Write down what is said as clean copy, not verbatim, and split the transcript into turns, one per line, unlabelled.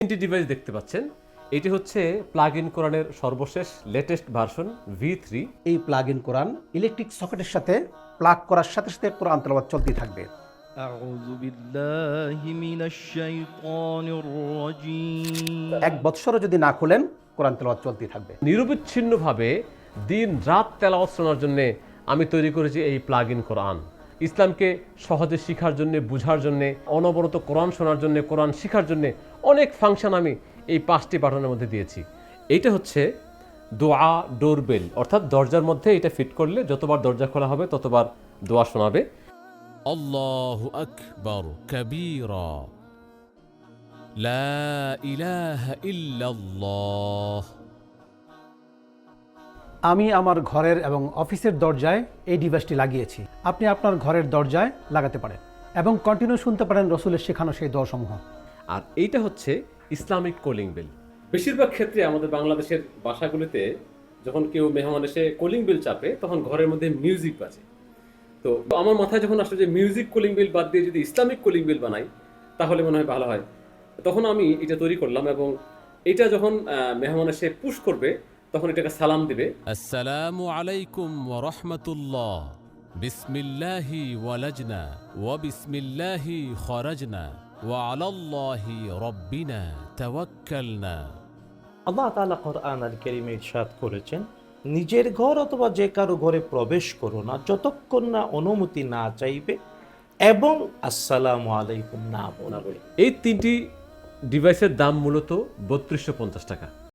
তিনটি ডিভাইস দেখতে পাচ্ছেন। এটি হচ্ছে প্লাগ ইন কোরআনের সর্বশেষ লেটেস্ট ভার্সন V3।
এই প্লাগ ইন কোরআন ইলেকট্রিক সকেটের সাথে প্লাগ করার সাথে সাথে কোরআন তেলাওয়াত চলতেই থাকবে।
আউযু বিল্লাহি মিনাশ শাইতানির রাজীম।
1 বৎসরও যদি না খুলেন কোরআন তেলাওয়াত চলতেই থাকবে।
নিরবিচ্ছিন্নভাবে দিন রাত তেলাওয়াত শোনার জন্য আমি তৈরি করেছি এই প্লাগ ইন কোরআন। ইসলামকে সহজে শেখার জন্য, বুঝার জন্য, অনবরত কোরআন শোনার জন্য, কোরআন শেখার জন্য অনেক ফাংশন আমি এই 5টি বাটনের মধ্যে দিয়েছি। এইটা হচ্ছে দোয়া ডোরবেল, অর্থাৎ দরজার মধ্যে এটা ফিট করলে যতবার দরজা খোলা হবে ততবার দোয়া শোনাবে।
আল্লাহু আকবার কাবীরা লা ইলাহা ইল্লাল্লাহ।
আমি আমার ঘরের এবং অফিসের দরজায় এই ডিভাইসটি লাগিয়েছি। আপনি আপনার ঘরের দরজায় লাগাতে পারেন এবং কন্টিনিউ শুনতে পারেন রসুলের শেখানো সেই দোয়াসমূহ।
আর এইটা হচ্ছে ইসলামিক কলিং বেল। বেশিরভাগ ক্ষেত্রে আমাদের বাংলাদেশের বাসাগুলিতে যখন কেউ মেহমান এসে কলিং বেল চাপে তখন ঘরের মধ্যে মিউজিক বাজে। তো আমার মাথায় যখন আসলে যে মিউজিক কলিং বেল বাদ দিয়ে যদি ইসলামিক কলিং বেল বানাই তাহলে মনে হয় ভালো হয়। তখন আমি এটা তৈরি করলাম এবং এটা যখন মেহমান এসে পুশ করবে তখন এটাকে সালাম দিবে।
আসসালামু আলাইকুম ওয়া রাহমাতুল্লাহ। বিসমিল্লাহি ওয়ালাজনা ওয়া বিসমিল্লাহি খরাজনা ওয়া আলাল্লাহি রাব্বিনা তাওয়াক্কালনা।
আল্লাহ তাআলা কোরআন আল কারীমে ইরশাদ করেছেন, নিজের ঘর অথবা যে কারো ঘরে প্রবেশ করো না যতক্ষণ না অনুমতি না চাইবে এবং আসসালামু আলাইকুম না বলবে।
এই 3টি ডিভাইসের দাম মূলত 3250 টাকা।